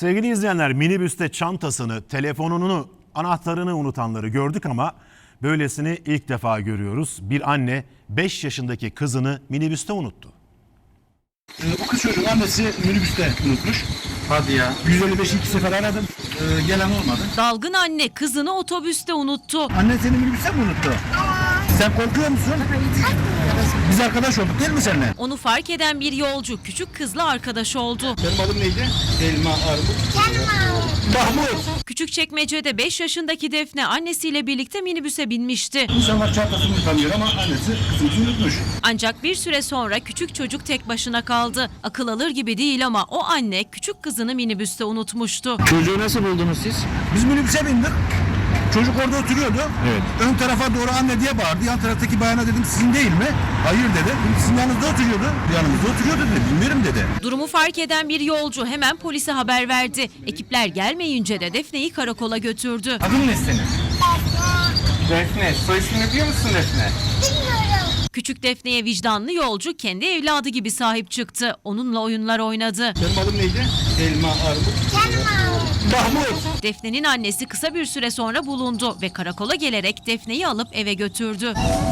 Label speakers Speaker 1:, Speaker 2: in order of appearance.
Speaker 1: Sevgili izleyenler, minibüste çantasını, telefonunu, anahtarını unutanları gördük ama böylesini ilk defa görüyoruz. Bir anne 5 yaşındaki kızını minibüste unuttu.
Speaker 2: O kız çocuğun annesi minibüste unutmuş.
Speaker 3: Hadi ya.
Speaker 2: 155'i 2 sefer aradım. Gelen olmadı.
Speaker 4: Dalgın anne kızını otobüste unuttu.
Speaker 2: Annen seni minibüste mi unuttu? Sen korkuyor musun? Biz arkadaş olduk değil mi seninle?
Speaker 4: Onu fark eden bir yolcu küçük kızla arkadaş oldu.
Speaker 2: Benim adım neydi? Elma, armut. Mahmut.
Speaker 4: Küçükçekmece'de 5 yaşındaki Defne annesiyle birlikte minibüse binmişti.
Speaker 2: İnsanlar çantasını unutamıyor ama annesi kızımızı unutmuş.
Speaker 4: Ancak bir süre sonra küçük çocuk tek başına kaldı. Akıl alır gibi değil ama o anne küçük kızını minibüste unutmuştu.
Speaker 3: Çocuğu nasıl buldunuz siz?
Speaker 2: Biz minibüse bindik. Çocuk orada oturuyordu.
Speaker 3: Evet.
Speaker 2: Ön tarafa doğru anne diye bağırdı. Yan taraftaki bayana dedim sizin değil mi? Hayır dedi. Sizin yanınızda oturuyordu. Yanımızda oturuyordu dedi. Bilmiyorum dedi.
Speaker 4: Durumu fark eden bir yolcu hemen polise haber verdi. Ekipler gelmeyince de Defne'yi karakola götürdü.
Speaker 2: Adın ne senin?
Speaker 3: Defne. Soy ismini biliyor musun Defne?
Speaker 4: Küçük Defne'ye vicdanlı yolcu kendi evladı gibi sahip çıktı. Onunla oyunlar oynadı.
Speaker 2: Benim adım neydi? Elma, armut. Mahmut.
Speaker 4: Defne'nin annesi kısa bir süre sonra bulundu ve karakola gelerek Defne'yi alıp eve götürdü.